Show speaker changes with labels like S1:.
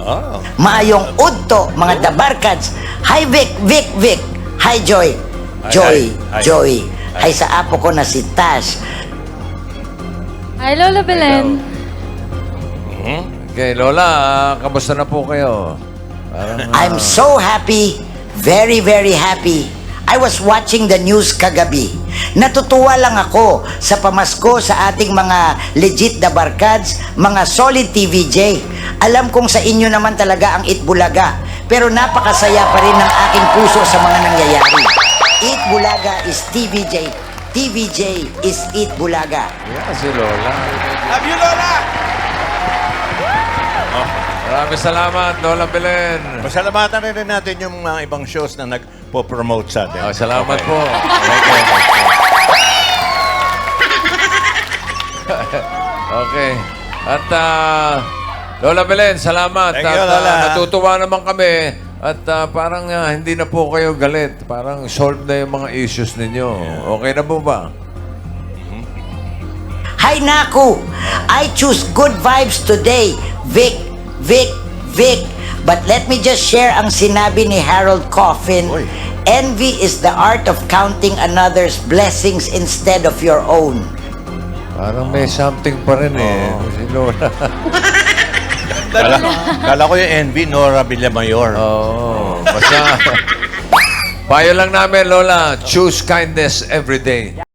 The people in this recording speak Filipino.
S1: Oh.
S2: Maayong udto, mga dabarkads. Hi, Vic, Vic, Vic. Hi, Joy. Joy,
S1: Hi.
S2: Joy. Hi sa apo ko na si Tash.
S3: Hi, Lola Belen.
S4: Okay, Lola, kamusta na po kayo? Parang,
S2: I'm so happy, very, very happy. I was watching the news kagabi. Natutuwa lang ako sa pamasko sa ating mga legit na barkads, mga solid TVJ. Alam kong sa inyo naman talaga ang Itbulaga, pero napakasaya pa rin ng aking puso sa mga nangyayari. Itbulaga is TVJ. TVJ is Itbulaga.
S4: yeah, si Lola.
S1: Love you, Lola!
S4: Maraming salamat, Lola Belen.
S1: Pasalamatan rin natin yung mga ibang shows na nagpo-promote sa atin.
S4: Salamat po. Okay. At Lola Belen, salamat.
S1: Thank you,
S4: At
S1: Lola.
S4: natutuwa naman kami. At parang hindi na po kayo galit. Parang solved na yung mga issues ninyo. Okay na po ba?
S2: Hi, Naku! I choose good vibes today. Vic, Vic, Vic. But let me just share ang sinabi ni Harold Coffin.
S1: Oy.
S2: Envy is the art of counting another's blessings instead of your own.
S4: Parang may something pa rin si Lola.
S1: Kala ko yung envy, Nora Villamayor.
S4: Basta, payo lang namin, Lola, choose kindness every day.